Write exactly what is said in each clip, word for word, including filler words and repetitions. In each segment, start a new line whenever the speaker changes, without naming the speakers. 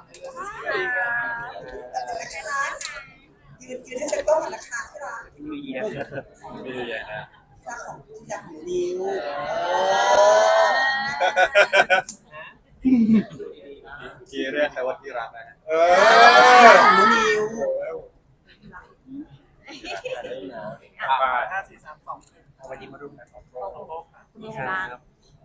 ยืนยืนให้เป็นกล้องก่อนนะคะที่รัก
มีเยอะมีเยอะนะ
รักของอยากของนิ้ว
ที่เรียกใครว่าที่รักนะฮะเอ
ของนิ้ว
ห้าสี่สามสองวันนี้มารุมกันของโลกครับ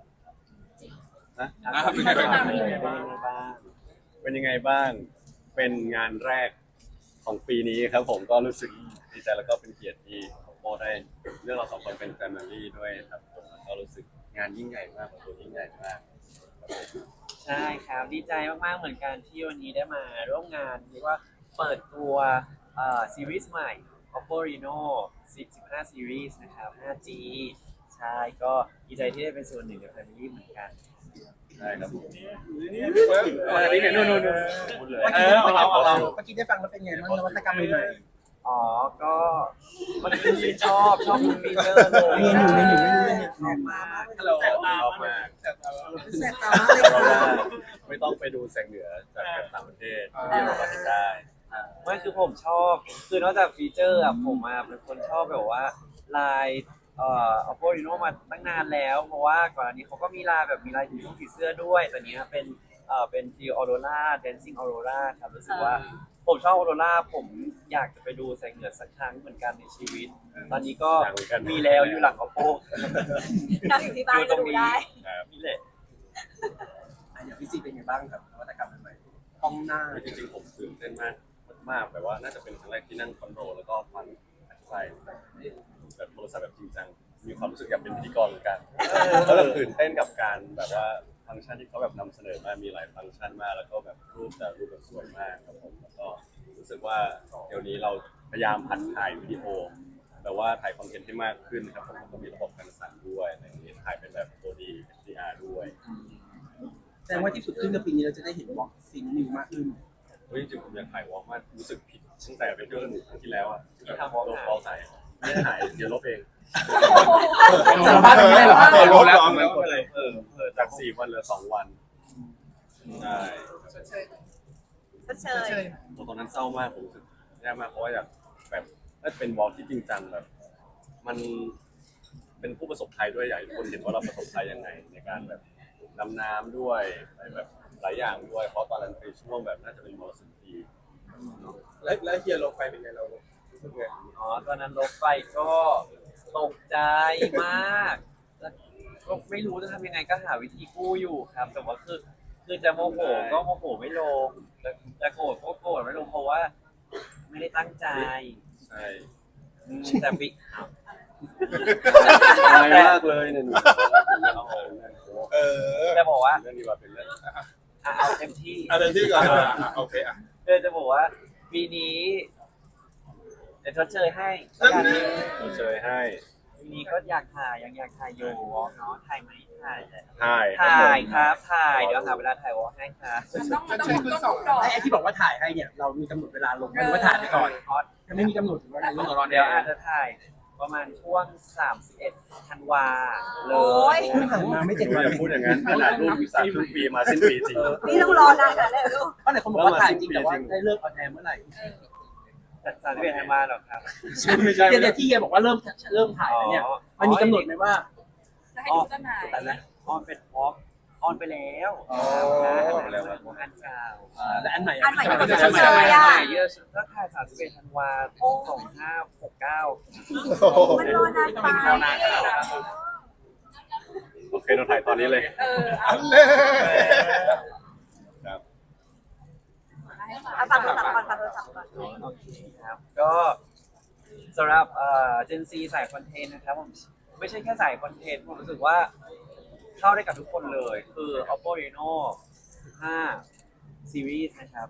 นะเป็นยังไงบ้างเป็นยังไงบ้าง เป็นงานแรกของปีนี้ครับผมก็รู้สึกดีใจแล้วก็เป็นเกียรติที่โมได้เรื่องเราสองคนเป็นแฟมิลี่ด้วยครับผมก็รู้สึกงานยิ่งใหญ่มากของตัวยิ่งใหญ่มาก
ใช่ครับดีใจมากๆเหมือนกันที่วันนี้ได้มาร่วมงานเรียกว่าเปิดตัวเอ่อซีรีส์ใหม่ Oppo Reno สิบ สิบห้า Series นะครับ ห้าจี ใช่ก็ดีใจที่ได้เป็นส่วนหนึ่งใน Family เหมือนกัน
ใช่ครับ
นี่เนี่ยนู่นๆๆเออของเราของเรา
เมื่อกี้ได้ฟังแล้วเป็นไงบ้างนวัตกรรมใหม่ๆ
อ๋อก็มันคือชอบชอบฟีเจอร์เลย
เมนูเมนูเมนูเมนู
ชอบมาก
ฮัลโหล
ชอบมาก
แสบตามากเลย
เพราะ
ค่ะ
ว่าไม่ต้องไปดูแสงเหนือจากต่างประเทศที่เราเห็นได้
ไม่คือผมชอบคือนอกจากฟีเจอร์อะผมอะเป็นคนชอบแบบว่าลายเอ่อ Oppo Reno มาตั้งนานแล้วเพราะว่าก่อนอันนี้เขาก็มีลายแบบมีลายผีผีเสื้อด้วยแต่เนี้ยเป็นเอ่อเป็น Field Aurora Dancing Aurora ครับรู้สึกว่าผมชอบ Aurora ผมอยากจะไปดูแสงเหนือสักครั้งเหมือนกันในชีวิต ตอนนี้ก็มีแล้วอยู่หลัง Oppo
นั่งอยู่ที่บ้านก็ดูได้
นี่แหละ
อย่างพี่ซีเป็นไงบ้างครับนวัตกรรมใหม่ๆกล้องหน้า
จริงๆผมตื่นเต้นมากมากแบบว่าน่าจะเป็นครั้งแรกที่นั่งคอนโทรลแล้วก็ฟังอัดไฟแบบโทรศัพท์แบบจริงจังมีความรู้สึกอยากเป็นพิธีกรเหมือนกันแล้วแบบตื่นเต้นกับการแบบว่าฟังก์ชันที่เขาแบบนำเสนอมามีหลายฟังก์ชันมากแล้วก็แบบรูปแต่รูปแบบสวยมากครับผมแล้วก็รู้สึกว่าเดี๋ยวนี้เราพยายามหัดถ่ายวิดีโอแต่ว่าถ่ายคอนเทนต์ให้มากขึ้นครับผมก็มีระบบการสั่นด้วยอะไรอย่างนี้ถ่ายเป็นแบบ โฟร์ดี เอช ดี อาร์ ด้วย
แสดงว่าที่สุดขึ้นในปีนี้เราจะได้เห็นวอล์กซิงนิวมากขึ้น
เฮ้ยจริงๆผมอยากถ่ายวอล์กมากรู้สึกผิดตั้งแต่ไปเที่ยวสนุกครั้งที่แล้วอ่ะที่ทำวอล์กวอล์กใส่ไม่ได้ถ่ายเดี๋ยวลบเอง
สารภาพไม่ได้หรอ
เออลบแล้วแล้วก็เลยเออเออจากสี่วันเหลือสองวันใช่
ก็เชย
ตอนนั้นเศร้ามากผมรู้สึกแย่มากเพราะว่าอยากแบบถ้าเป็นวอล์กที่จริงจังแบบ มันเป็นผู้ประสบภัยด้วยอยากให้ทุกคนเห็นว่าเราประสบภัยยังไงในการแบบดำน้ำด้วยอะไรแบบหลายอย่างด้วยเพราะตอนนั้นเป็นช่วงแบบน่าจะเป็นมรสุมที่
แล้วแล้วเฮียลงไปเป็นไงเรารู้สึกไง
อ๋อตอนนั้นรถไฟก็ตกใจมากแล้วก็ไม่รู้จะทำยังไงก็หาวิธีกู้อยู่ครับ แต่ว่าคือคือจะโมโหก็โมโหไม่ลงจะจะโกรธก็โกรธไม่ลงเพราะว่าไม่ได้ตั้งใจ
ใช่
อืมแต่ปิอ้าว
อายมากเลยเนี่ยหนู
เออ
จะบอกว่า
เรื่องนี้ว่าเป็นเรื่อง
อ่ะเอาเต็มที่
อันนั้นที่ก่อนอ่ะโอเคอ่ะ
เออจะบอกว่าปีนี้เดี๋ยวชดเชยให้แล้วกัน
เชยให้
ปีนี้ก็อยากถ่ายยังอยากถ่ายอยู่เนาะถ่ายไหมถ่ายแหละ
ถ่าย
ถ่ายครับถ่ายเดี๋ยวหาเวลาถ่ายวอลให้ครับ
มันต้องมันต้องต้องต้องรอ
ไอ้ที่บอกว่าถ่ายให้เนี่ยเรามีกำหนดเวลาลงหรือว่าถ่ายไปก่อน
ออส
ยังไม่มีกำหนดถึงว่าเราลง
เดี๋ยวอาจจะถ่ายประมาณช่วงสามสิบเอ็ดธันวาเล
โอ้ย
ย
เพิ่งผ่านมาไม่เจ็ดวัน
อย่าพูดอย่างนั้นขนาดรูปอีกสามครึ่งปีมาสิ้นปีจริง
นี่ต้องรอนานขนาดนั้นเลยลูก
เพราะไหนคนบอกว่าถ่ายจริงแต่ว่าได้เลิกออนแอร์เมื่อไหร่
แต่สามสิบเอ็ดธันวาหรอกครับ
ไม่ใช่
เดี๋ยวที่เฮียบอกว่าเริ่มเริ่มถ่ายแล้วเนี่ยมันมีกำหนดไหมว่า
จะให้ดูต้นไหน
แต่ละ
ออนเป็นวอล์กออนไปแล้ว
อ๋อ
ออนไปแล้วครับอันเก่า
และอันใหม่
อันใหม่ที่มัน
อั
จะ
นให
เช
ม่
ยอ่ะ
เยอะสุดก็ถ่ายสามสิบเอ็ดธันวาสองห้าหกเก้า
มันรอนานไป
โอเคเราถ่ายตอนนี้เลย
เออ
อั
เอา
นเล่
ครับ
เอาฟังโทรศัพท์ก่อนฟังโทรศัพท์ก่อน
โอเคครับก็สำหรับเอ่อเจนซีสายคอนเทนต์นะครับผมไม่ใช่แค่สายคอนเทนต์ผมรู้สึกว่าเข้าได้กับทุกคนเลยคือ Oppo Reno สิบห้า Series นะครับ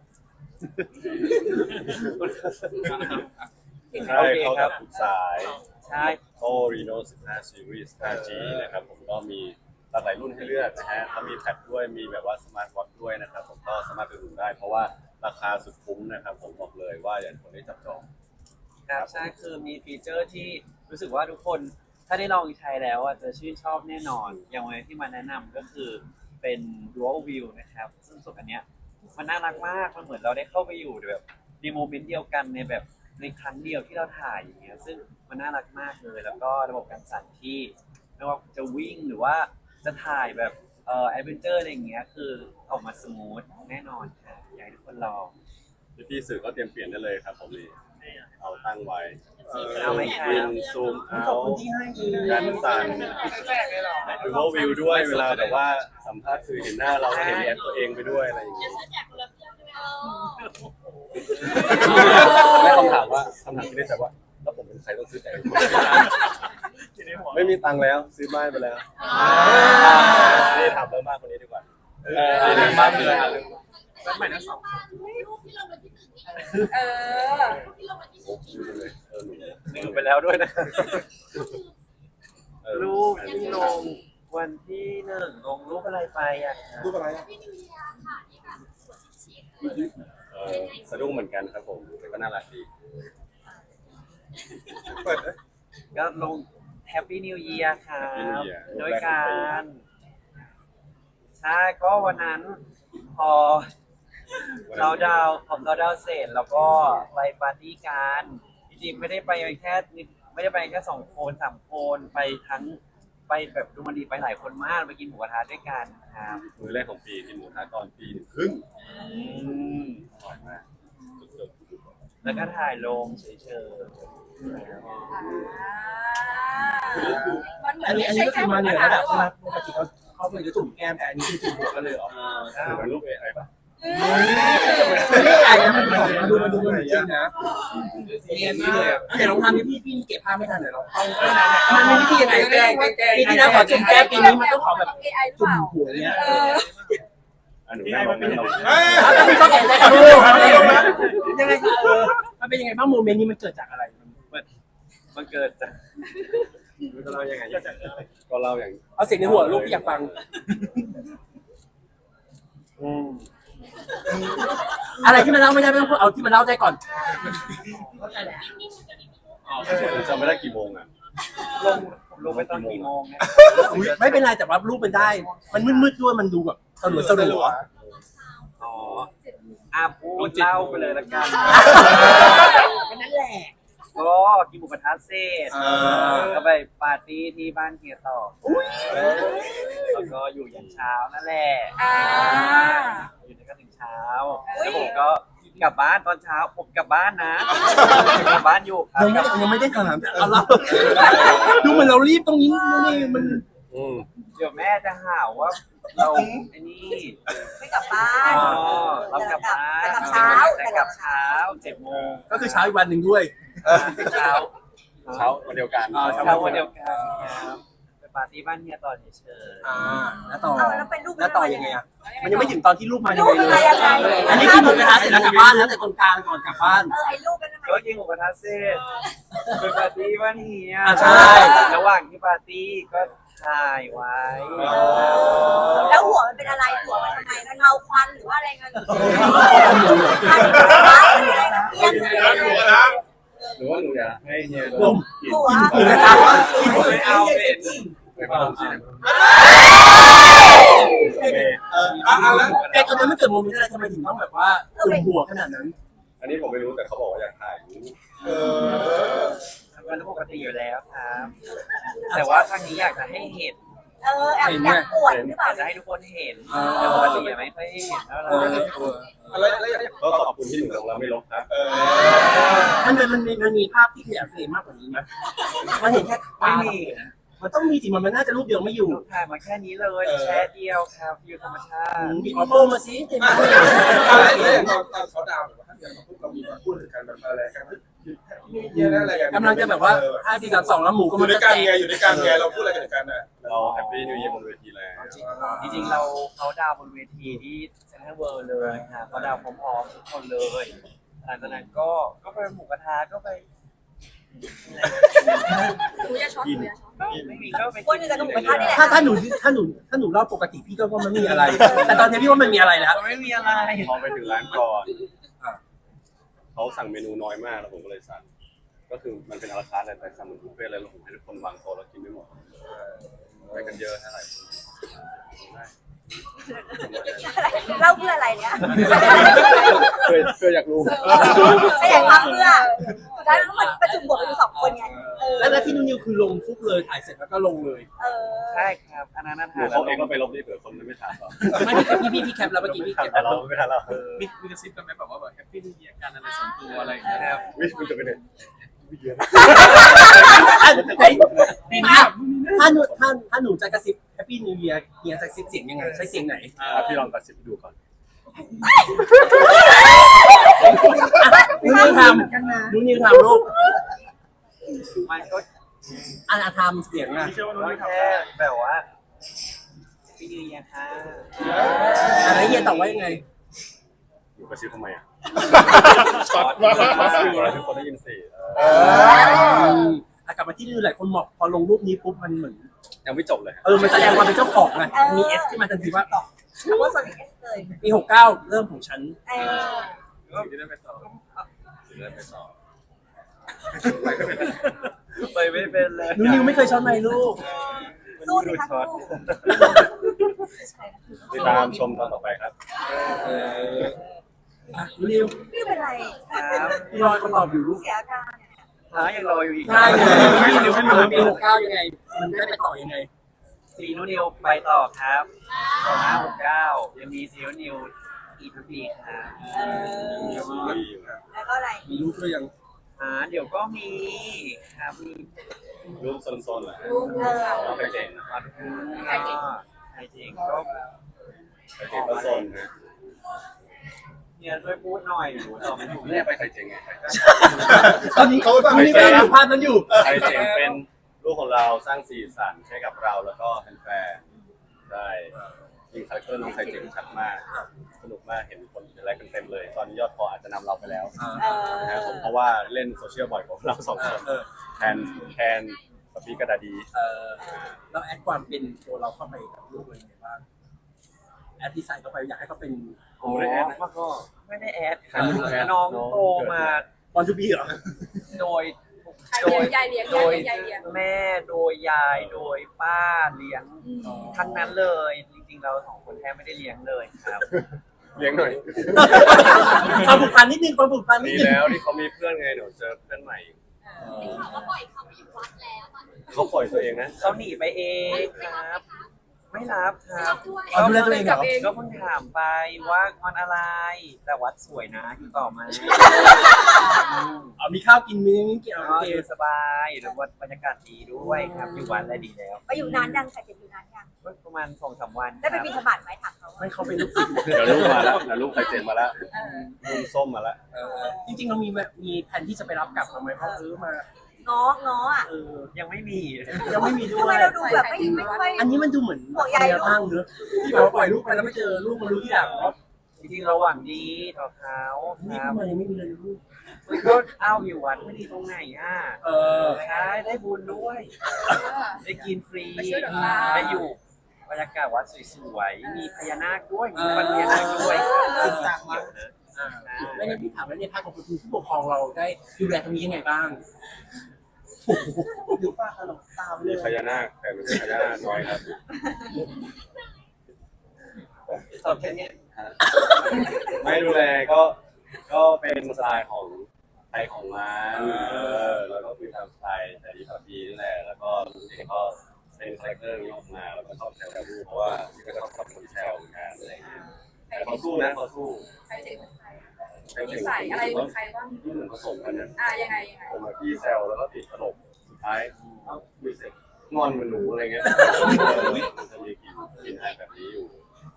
ใช่เขากับทุกสาย
ใช่
Oppo Reno สิบห้า Series ห้าจี นะครับผมก็มีหลากหลายรุ่นให้เลือกนะฮะเขามีแพดด้วยมีแบบว่าสมาร์ทวอทช์ด้วยนะครับผมก็สามารถไปดูได้เพราะว่าราคาสุดคุ้มนะครับผมบอกเลยว่าอย่างคนได้จับจอง
ครับใช่คือมีฟีเจอร์ที่รู้สึกว่าทุกคนถ้าได้ลองใช้แล้วอ่ะจะชื่นชอบแน่นอน อย่างวันที่มาแนะนำก็คือเป็น dual view นะครับซึ่งส่วนอันเนี้ยมันน่ารักมากมันเหมือนเราได้เข้าไปอยู่แบบในโมเมนต์เดียวกันในแบบในครั้งเดียวที่เราถ่ายอย่างเงี้ยซึ่งมันน่ารักมากเลยแล้วก็ระบบการสั่นที่ไม่ว่าจะวิ่งหรือว่าจะถ่ายแบบเอ่อแอดเวนเจอร์อะไรอย่างเงี้ยคือออกมาสมูทแน่นอนค่ะอยากให้ทุกคนลอง
พี่ๆสื่อก็เตรียมเปลี่ยนได้เลยครับผมนี่เอาตั้งไว้
เอาไหมครับ
วินซูมเอา
ขอบคุณที่ให้ดี
การสั่นดูว่าวิวด้วยเวลาแบบว่าสัมภาษณ์สื่อเห็นหน้าเราเห็นแอปตัวเองไปด้วยอะไรอย่างเงี้ยไม่คำถามว่าคำถามที่ได้แต่ว่าแล้วผมเป็นใครต้องซื้อแต่ไม่มีตังค์แล้วซื้อบ้านไปแล้วนี่ถามเรื่องบ้านคนนี้ดีกว่าเออเรื่องบ้านเลย
บ้านใหม่ทั้งสอง
เออ
เออหนู
ลืมไปแล้วด้วยนะ
เออ
รูปที่ลงวันที่หนึ่งลงรูปอะไรไปอ่ะ
รูปอะไรอ่ะ
เออสะดุ้งเหมือนกันครับผมแต่ก็น่ารักดี
เปิดนะ
ก็ลง Happy New Year ครับโดยการใช่ก็วันนั้นพอเราดาวพอเราดาวเสร็จแล้วก็ไปปาร์ตี้กันจริงๆไม่ได้ไปแค่ไม่ได้ไปแค่สองคนสามคนไปทั้งไปแบบดูมันดีไปหลายคนมากไปกินหมูกระทะด้วยกันครับ
มือแรกของปีกินหมูกระทะตอนปีหนึ่งครึ่ง
อืม
อร่อยมากสุด
แล้วก็ถ่ายลงเฉย
มันเหมือ
อั
น
นนี้
ไม่
อัน
ใช่
นี้ก็
แค่
คือ
หมู
มาเหนื
ก
อ
ระ
แล้
ทะ
วปกติเขาเขาเป็นจะจุ่มแก้มแต่อันนี้คือจุ่มหัวกันเลยเหรอ
ๆถือเป็นรูปเอไอป่ะ
ไม่ใช่ไอ้มันมาดูมาดูมันจริงนะ
เรียนนี่เลยอ่ะ
เดี๋ยวลองทำให้พี่พี่เก็บภาพไม่ทันเดี๋ยวเรามันมีวิธียังไงแกล้งปีที่แล้วขอจุ่มแก้มปีนี้มันต้องขอแบบ
เอไอหรือ
จุ่
เป
ม
ล่า
หัวเนี้ย
เออ
อันหนูนั่งลงนั่งลง
เฮ้ย
แล้วพี่ก็แข่งใจกันดูยังไงเออมันเป็นยังไงบ้างโมเมนต์นี้มันเกิดจากอะไร
ๆมันเกิดจากมันจะเล่ายังไง
ก็เล่าอย่าง
เอาเสียงในหัวลูกพี่อยากฟัง
อืม
อะไรที่มันเล่าไม่ได้ไม่ต้องพูดเอาที่มันเล่าได้ก่อน
จำไม่ได้กี่โมงอ่ะ
ลงลงไปตอนกี่โมงเนี่ย
ไม่เป็นไรแต่ว่ารูปมันได้ มันมืดๆด้วยมันดูแบบสลัวสลัว
อ๋ออาพูดเล่าไปเลยละกัน
นั่นแหละ
ก็กินหมูกระทะเสร็จก็ไปปาร์ตี้ที่บ้านเฮียต่อแล้วก็อยู่ยันเช้านั่นแหละ
อ่า
อยู่ในกันถึงเช้า แล้วผมก็กลับบ้านตอนเช้าผมกลับบ้านนะกลับบ้านอยู่ครับ
ยังไม่ยังไม่ได้ถามเอาเล่าดูเหมือนเรารีบตรงนี้นี่มัน
อืม
เดี๋ยวแม่จะหาว่าเราไอ้นี่
ไม่กลับบ้า
อ๋
น
อเรากลับบ้าน
แต่กลับเช้า
แต่กลับเช้าเจ็ดโมง
ก็คือเช้าอีกวันหนึ่งด้วย
เช้า
เช้าวันเดียวกัน
อ่า
เช้าวันเดียวกันครับไปปาร์ตี้บ้านเฮียต่อเฉย
อ่าแล้วต่อ
เอาแล้วเป็นรูป
แล้วต่อยังไงอ่ะมันยังไม่ถึงตอนที่รูปมายั
รู
ง
ป
ไง
อะไร
เลย
ยังไง
อันนี้คือหมูกระทะเสร็จแล้วกลับบ้านแล้วแต่ตรงกลางก่อนกลับบ้าน
เออไอ้รูปนั้นทำไม
ๆก็กินหมูกระทะเสร็จไปปาร์ตี้บ้านเฮีย
อ่าใช่
ระหว่างที่ปาร์ตี้ก็ถ่ายไว้
แล้วหัวมันเป็นอะไรหัวมันทำไมมันเงาควันหรือว่าอะไรเงี้ย
หรือว่าหนูอยากให้เฮีย
ผม
กิน
หัว
หมูกระทะ
ไม่เอาเป็น
ไปบ้านที่ไหน
เอออ่ะอ่ะแล้ว
ไอ้ตอนนั้นไม่เกิดโมเมนต์อะไรทำไมถึงต้องแบบว่าจุ่มหัวขนาดนั้น
อันนี้ผมไม่รู้แต่เขาบอกว่าอยากถ่าย
เออ
มันปกติอยู่แล้วครับ แต่ว่าครั้งนี้อยากจะให้เห็น
เออแอบอยากปวดหรือเป
อ
ล่า
ยากจะให้ทุกคนเห็นแต่ปกติไม่ค่อยเห็นเท่าไหร่
อะไรอะไรอย่าง
ก็ขอบคุณที่หนูลงแล้วไม่ลบนะ
เออ
มันมันมันมีมันมีภาพที่ขยายเฟรมมากกว่านี้ไหมมันเห็นแค่
ไม่มี
มันต้องมีสิมันมันน่าจะรูปเดียวไม่อยู่
ลูกถ่ายมาแค่นี้เลยแช่เดียวครับวิวธรรมชาติ
มีออโต้มาสิเห็นไหม
อะไรอะไรตอนตอนเขาดาวน์ถ้าเกิดเราพูดเรามีพูดถึงกันแบบอะไรกันนี่เยอะอะไรกัน
กำลังจะแบบว่าห้าสี่สามสองแล้วหมูก็
อยู่
มัน
ด้วยกันไงอยู่ด้วยกันไงเราพูดอะไรกันกันนะ
เราแฮปปี้นิวเยียร์บนเวทีแล้ว
จริงๆเราเขาดาวบนเวทีที่เซ็นทรัลเวิลด์เลยครับเขาดาวพร้อมๆทุกคนเลยหลังจากนั้นก็ก็ไปหมูกระทะก็ไป
หนูอย่าช็อตหนูอย่าช็อต
ไม่มีก็ไป
คนอื่นกับหนูกระทะนี่แหละ
ถ้าถ้าหนูถ้าหนูถ้าหนูเล่าปกติพี่ก็ว่ามันไม่มีอะไร แต่ตอนนี้พี่ว่ามันมีอะไรแล้ว
ไม่มีอะไร
พอไปถึงร้านก่อนเขาสั่งเมนูน้อยมากแล้วผมก็เลยสั่งก็คือมันเป็นอาราคาร์ทเลยแต่สั่งเหมือนบุฟเฟ่ต์เลยแล้วผมให้ทุกคนวางโต๊ะแล้วกินไม่หมดไปกันเยอะเท่าไหร่
เล่าเพื่ออะไรเนี่ย
เคยเคยอยากรู้
ไม่อยากทำเพื่อสุดท้ายมันประจุบวกกันอยู่สองคนไงเออ
แล้วที่นุ่นนิวคือลงฟุบเลยถ่ายเสร็จแล้วก็ลงเลย
เออ
ใช่ครับอันนั้นน่า
ห
ทา
นู
น
เขาเองก็ไปลบนี่เผื่อคนไม่ถามเรา
ไม่พี่พี่พี่แคปแล้วเมื่อกี้พี่แคป
แต่เราไม่ทันเรา
มีมีกระซิบกันไหมแบบว่าแบบแฮปปี้นิวเยียร์กันอะไรส่วนตัวอะไรอย่างเงี้ย
ครับ
วิมันจะเป็นไงวิเยอะ
ถ้าหนูถ้าถ้าหนูจะกระซิบแฮปปี้นิวเยียร์เฮียจะกระซิบเสียงยังไงใช้เสียงไหน
อ่ะพี่ลองกระซิบดูก่อน
นุ่นนิวทำนุ่นนิวทำลูก
มันก็
อ่าทำเสียงอ่ะ
พี่เชื่อว่าน้อง
ก็
ไม่ทำ
แค่
ได้
แบบว่าพี่นิวเยียร์ค่ะ
อะไรเฮียตอบว่ายังไง
หนูกระซิบทำไมอ่ะ
ช็อต
ทุกคนได้ยินสิ
อ่ะกลับมาที่นิวหลายคนบอกพอลงรูปนี้ปุ๊บมันเหมือน
ยังไม่จบเลย
เออมันแสดงความเป็นเจ้าของไงมีเอสที่มาทันทีว่า
เพราะว่าส่วนเอสเลย
ปีหกเก้าเริ่มของฉัน
เออ
สิ่งที่ได้ไปต่อ
เริ่มไปต่อ
ไปไม่เป็นเลย
นุ่นนิวไม่เคยช็อตไมค์ลูก
สู้สิคะสู้
ติดตามชมตอนต่อไปครับ
อ่ะนุ่นนิว
ไม่เป็นไร
ครับ
พี่รอยคำตอบอยู่ลูก
เสียอาการเนี่ย
หายังรออยู่อีก
ใช่ไม่นิวไม่รู้ปีหกเก้ายังไง มันได้ไปต่อยังไง
ซีนูนิวไปต่อครับสองห้าหกเก้ายังมีซีนูนิวอีกทุกปีครับ
เออแล้วก็อะไร
มีลูกด้วยยัง
อ่าเดี๋ยวก็มีครับมี
รูปโซนๆเหรอ
ลูกเออ
น้องไข่เจ๋ง
ก็ใครจริงใครจริงก็
ไข่เจ๋งก็โซนนะ
เนี่ยช่วยพูดหน่อยหนูตอบไม่ถูก
เนี่ยไปไข่เจ๋งไง
ตอนนี้เขานุ่นนิวกำลังดูภาพนั้นอยู่
ไข่เจ๋งเป็นลูกของเราสร้างสีสันให้กับเราแล้วก็แฟนๆได้ยิงคาแรคเตอร์น้องไข่เจ๋งชัดมากสนุกมากเห็นคนอะไรกันเต็มเลย ตอนนี้ยอดฟอลอาจจะนำเราไปแล้ว
เออ
นะครับผมเพราะว่าเล่นโซเชียลบ่อยกว่าเราสองคน
เออ
แทนแทนสปีกกระดาดี
เออแล้วแอดความเป็นตัวเราเข้าไปกับลูกเลยไงบ้างแอดดีไซน์เข้าไปอยากให้เขาเป็น
โอ้มันก็ไม่ได้แอดครับน้องโตมา
บอลทูบีเหรอ
โดย
ใคร
โด
เลี้ย
ย
งยายเลี้ยง
โด
ยาย
ย
เลี้ยงยายเลี้ยง
แม่โดยยายโดยป้าเลี้ยงทั้งนั้นเลย จริงๆเราสองคนแทบไม่ได้เลี้ยงเลยครับ
เลี้ยงหน่อย
ความผูกพันนิดนึงความผูกพันนิ
ดี
ดนึง
แล้วที่เขามีเพื่อนไงเดี๋ยวเจอเพื่อนใหม่เขาปล่อยตัวเองนะ
เขาหนีไปเองครับ ไม่รับครับ
เอาดูแลตัวเองเหรอ
ก็เพิ่งถามไปว่ามันอะไร แต่วัดสวยนะอยู่ต่อไหมา
เอามีข้าวกินมีนี่กินเอา
ก็
โอเค
อยู่สบายแล้ววัดบรรยากาศดีด้วยครับ อยู่วันได้ดีแล้ว
ไปอยู่นานยังใครจะอยู่นานยัง
ก็ประมาณสองสามวัน
ได้ไปบินธบัตรไหมถามเขา
ไม่เขาเป็นลูกศิษย์
เดี๋ยวลูกมาแล้วเดี๋ยวลูกไข่เจ๋งมาแล้วลูกส้มมาแล้ว
เออจริงๆเรามีแบบมีแผนที่จะไปรับกลับมาไหมเพราะซื้อมา
ง้อง้ออ่ะ
เออ
ยังไม่มี
ยังไม่มีด้
ทำ
ว
ไม
ย
เราดูแบบไม่ไม่ค่อย
อันนี้มันดูเหมือน
ห่วงใย
แนวทางเนอะที่แบบว่าปล่อยลูกไปแล้วไม่เจอลูกมันรู้ที่หลังว่า
จริงๆเราหวังดีต่อเขา
นี่
ครับ
ทำไมยังไม่มีเลยลูก
ก็เอาอยู่วัดไม่ดีตรงไหนอ่ะ
เออ
ใช่ได้บุญด้วย ได้กินฟรี
ไปช่วยเหลือเรา
ได้อยู่บรรยากาศวัดสวยๆ มีพญานาคด้วย มีปัญญานาคด้วย
เออ
เกี่ยวนะ
ไม่งั้นพี่ถามว่าในภาคของคุณผู้ปกครองเราได้ดูแลตรงนี้ยังไงบ้างดูป้าขนมตามเล
มี
ย
พญานาคแต่ไม่ใช่พญานาคน้อยครับ
ตอบแค่เนี้ย
ไม่ดูแลก็ก็เป็นสไตล์ของไทยของมันเออแล้วก็คือทำสไตล์แต่ดีพอดีนั่นแหละแล้วก็ลูกเองก็เป็นคาแรคเตอร์นี้ออกมาแล้วก็ชอบแซวกับลูกเพราะว่าพี่ก็ชอบทำคนแซวเหมือนกันอะไรอย่างเงี้ยแต่เขาสู้นะเขาสู้
ใครเจ๋งเหมือนใครนิสัยอะไรเหมือนใครบ้าง
ที่เหมือนผสมกันนะ
อ่ายังไงยังไง
ผมกับพี่แซวแล้วก็ติดตลกสุดท้ายเอ้ามีเสร็จงอนเหมือนหนูอะไรเงี้ยมันจะมีกินกินอะไรแบบนี้อยู่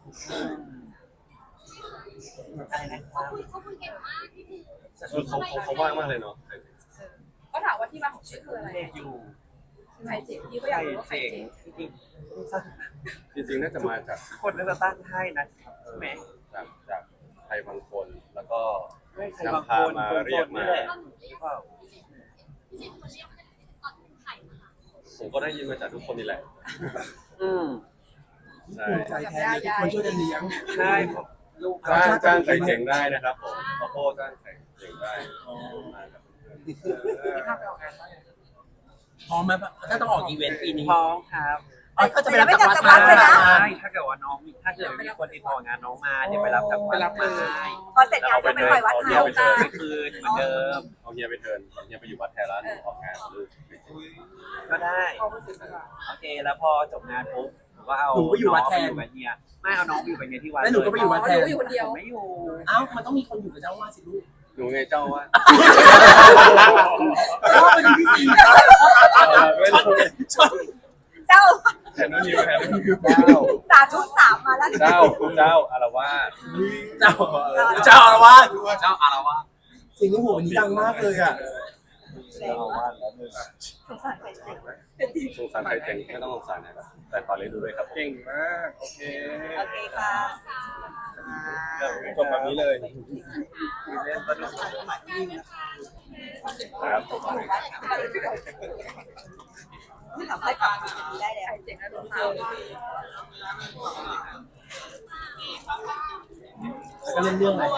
อะไรนะครับ
คือเขาเขาเขาว่างมากเลยเนาะ
ก็ถามว่าที่มาของชื่อคืออะไร
เด็กอยู่
ใครเจ๋งพี่ก็อ
ใคร
ยากรู้ว่าใคร
เจ๋ง
เจ๋ง
จริง
จริงๆน่าจะมาจาก
ๆคนน่าจะตั้งให้นะครับใช่ไหม
จากจากใครบางคนแล้วก็
ไม่ใครบางคนคนโสดนี่แหละหรือเปล่า
ผมก็ได้ยินมาจากทุกคนนี่แหละ
อืม
ใช่
ภูมิใจแทนเลยทุกคนช่วยกันเลี้ยง
ใช่ครับลูก
จ้างจ้างใครเจ๋งได้นะครับผมขอโทษจ้างใครเจ๋งได้มาครับ
พร้อมไหมถ้าต้องออกอีเวนต์ปีนี้
พร้อมครับ
อ๋อเขาจะไป
แต่
รับ
ไม่
จาก
กลับ
วัด
จากวัดเลยนะ
ใช่ถ้าเกิดว่าน้องมีถ้าเกิดมีคนติดต่องานน้องมาเดี๋ยวไปรับจากวัดมา
พอเสร็จงานก็ไปปล่อยวัด
เอา
เฮา
เฮียไปเทิร์น
ไปคืนเหมือนเดิม
เอาเฮียไปเทิร์นเอาเฮียไปอยู่วัดแทนแล้วหนูออกงานหรือ
ก็ได้โอเคแล้วพอจบงานปุ๊บผมก็เอา
หนูไปอยู่วัดแทน
น้องไปอยู่กับเฮียไม่เอาน้องไปอยู่กับเฮียที่วัด
แล้วหนูก็ไปอยู่วัด
อ๋อ
แท
หนู
น
อยู่คนเดียว
ผมไม่อยู่
เอ้ามันต้องมีคนอยู่กับเจ้าว่าสิลูก
หนูไงเจ้าว่า
เพราะว่าเป็นที่สี่
ไม่รู้
เจ้า
แทนนู้นอยู่แทนนู้นอยู่
สาธุสามมาแล้ว
เจ้าเจ้าอารวาส
เจ้าเจ้าอารวาส
เจ้าอารวาส
สิ่งที่หัววันนี้ดังมากเลยอ่ะ
เจ้าอารวาสแล้วหนึ่ง
สงสารใครเจ๋ง
สงสารใครเจ๋งไม่ต้องสงสารนะครับแต่ตอนนี้ดูด้วยครับ
เก่งมากโอเค
โอเคค่ะ
จบแบบนี้เลย
ครับ
ทำให้ปรับได้เลย
เจ๋งนะดูเขา
ก็เล่นเรื่องอะไร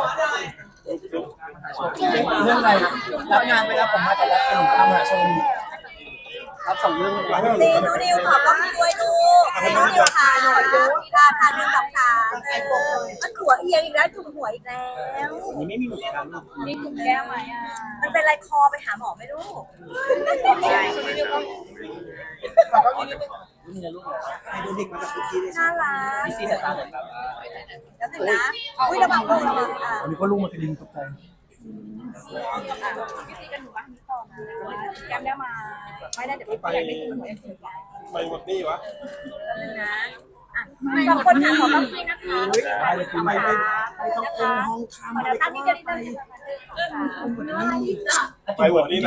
เรื่องอะไรรับงานไปแล้วผมมาแต่ละเป็นข้ามหาชนรับสองเรื่องเลย
ดีดูดิวขอบคุณด้วยลูกให้ดูดิวค่ะหน่อยดูราคาหนึ่งสองสามมันหัวเอียงอีกแล้วถูกหัวอีกแล้ว
นี่ไม่มีหมูกัน
มีกลุ่มแก้มไหมอ่ะ
มันเป็นไรคอไปหาหมอไม่รู้
ใช่คุณนิวก็
นี่นะลูกให้ดูเด็กมาจากทุกที่เลย
น่ารัก
พี่ซีแต่ตาเหมือนแบบ
แล้วถึงนะอุ้ยระวังลูกระวังอ่ะ
อันนี้ก็ลูกมันกระดิ่งตกใจ
พี่ซีกันอยู่บ้านนี้ต่อนะแก้มได้มาไม่ได้เดี๋ยวพี่อยากได้คุณหมอเอ็มซี
ไปหมดนี่วะ
นึงนะอ่ะสองคนค่ะขอบคุณนะคะ
ไปเลยไปไปไปต้องเป็นห้อง
ขอเดี๋ยวตั้งนี่จะได้ตั้ง
ไปหมดนี่